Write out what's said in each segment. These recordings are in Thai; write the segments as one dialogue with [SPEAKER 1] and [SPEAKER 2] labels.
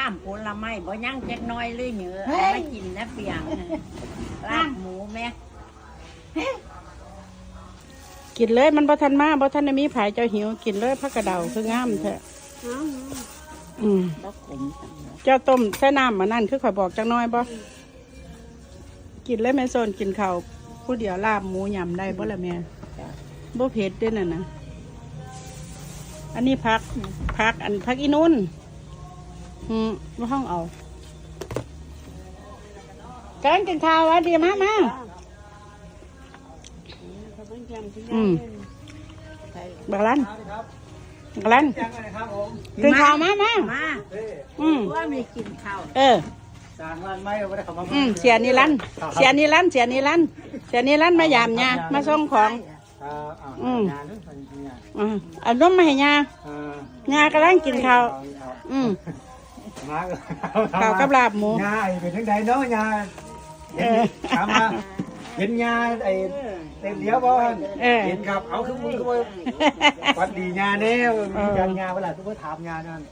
[SPEAKER 1] ามผลไม้บ่ย่างแจ๊กน้อยเลยเหนือไม่กินนะเปียงลาบหมูแม่
[SPEAKER 2] กินเลยมันบ่ทันมาบ่ทันได้มีผายเจ้าหิวกินเลยผักกระเดาคืองามแท้เจ้าต้มใส่น้ำมานั่นคือข่อยบอกจังน้อยบ่กินเลยแม่โซนกินข้าวผู้เดียวลาบหมูยำได้บ่ละแม่บ่เผ็ดด้วยน่ะนะอันนี้ผักอันผักอีนุ่นว่าห้องเอาแกงกินข้าวอ่ะดีมากมาบักลันกินข้าวมา
[SPEAKER 1] ว่ามีกินข้าว
[SPEAKER 3] จางร้านไม้เราไม่ได้เข้ามา
[SPEAKER 2] เสียนิรันมายามยามาส่งของอันนู้นมาให้ยากำลังกินข้าวข้าวกับลาบหมู
[SPEAKER 3] ยาเป็นทั้งใดเนาะยาถามมาเห็นยาไอ้เต็มเดียวบ่เห็นครับเอาขึ้นมือวัดดียาเนี่ยมีการยาเวลาทุกคนถามยานั่น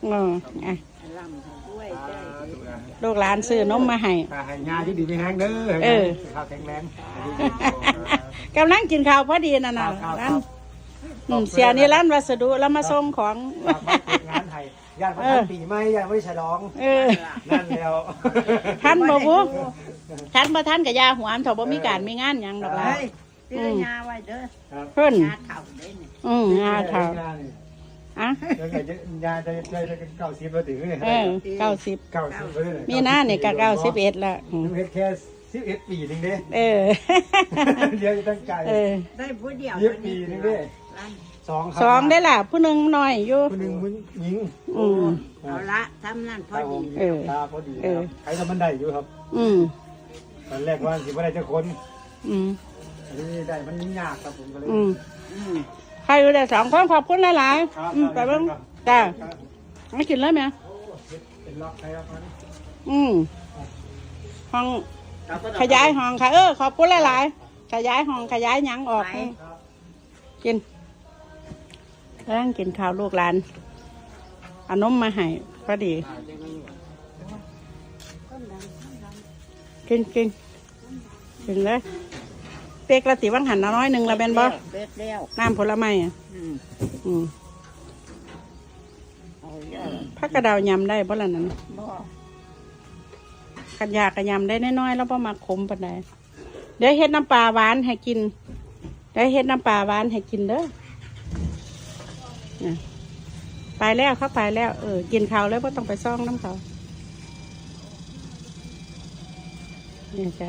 [SPEAKER 2] ลูกหลานซื้อนมมาให้
[SPEAKER 3] ยาที่ดีไม่แห้งเด้อข้าวแข็งแรง
[SPEAKER 2] กำลังกินข้าวพอดีนั่นน่ะร้านเสียนี่ร้านวัสดุแล้วมาส่งของ
[SPEAKER 3] งานไทยญาติพันปีไม่ญาติไม่ฉลองนั่นแล้ว
[SPEAKER 2] ท่านบ่บุท่านบ่ท่านกับยาหัวถบ่มีการมีงานยังดอกล่ะ
[SPEAKER 1] ยาไว้เด้อ
[SPEAKER 2] เพิ่น
[SPEAKER 1] ยาเข่าเด้นี่
[SPEAKER 2] ยาเข่า
[SPEAKER 3] อ่ะยาได้90มาถึงเลย90
[SPEAKER 2] มีหน้าเนี่ยก็91ละ
[SPEAKER 3] เฮ็ดแค่11 ปีนึงเด้เดี๋ยวตั้งใจ
[SPEAKER 1] ได้ผู้เดียว
[SPEAKER 3] 10 ปีนึงเด้
[SPEAKER 2] สองได้ล่ะผู้หนึ่งน้อยอยู่
[SPEAKER 3] ผู้หนึ่งหญิง
[SPEAKER 1] เอาละทำนั่นพอดี
[SPEAKER 3] ตาพอดีใครทำมันได้อยู่ครับตอนแรกว่าสิว่าได้จะคนอันนี้ได้มันยากครับผมก็เลย
[SPEAKER 2] ใครอยู่ได้2 คนขอบคุณหลายๆไปเบิ่งจ้าไม่กินเลยไหม
[SPEAKER 3] เป็นล็อกใครครับ
[SPEAKER 2] ห้องขยายห้องค่ะขอบคุณหลายๆขยายห้องขยายหยังออกกินแล้วกินข้าวลูกหลานเอานมมาให้พอดีกินเลยเป๊กละติวังหันน้อยหนึ่งละเป็นบ่น้ำผลไม้ผักกระเดายำได้บ่ละนั้นขันยากระยำได้น้อยๆแล้วบ่มาขมปานใดเดี๋ยวเฮ็ดน้ำปลาหวานให้กินเด้อไปแล้วเขาไปแล้วกินข้าวแล้วก็ต้องไปซ่องน้ำเขาเนี่ยจ้ะ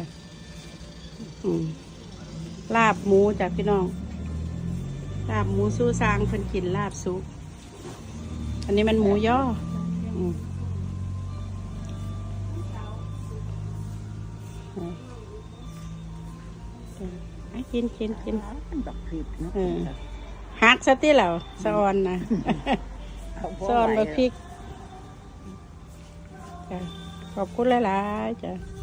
[SPEAKER 2] ลาบหมูจ้ะพี่น้องลาบหมูสู้ซางเพิ่นกินลาบซุปอันนี้มันหมูย่อกินหักซะที่เหล่าสะออนนะสะออนบะพริกขอบคุณหลายๆจ้ะ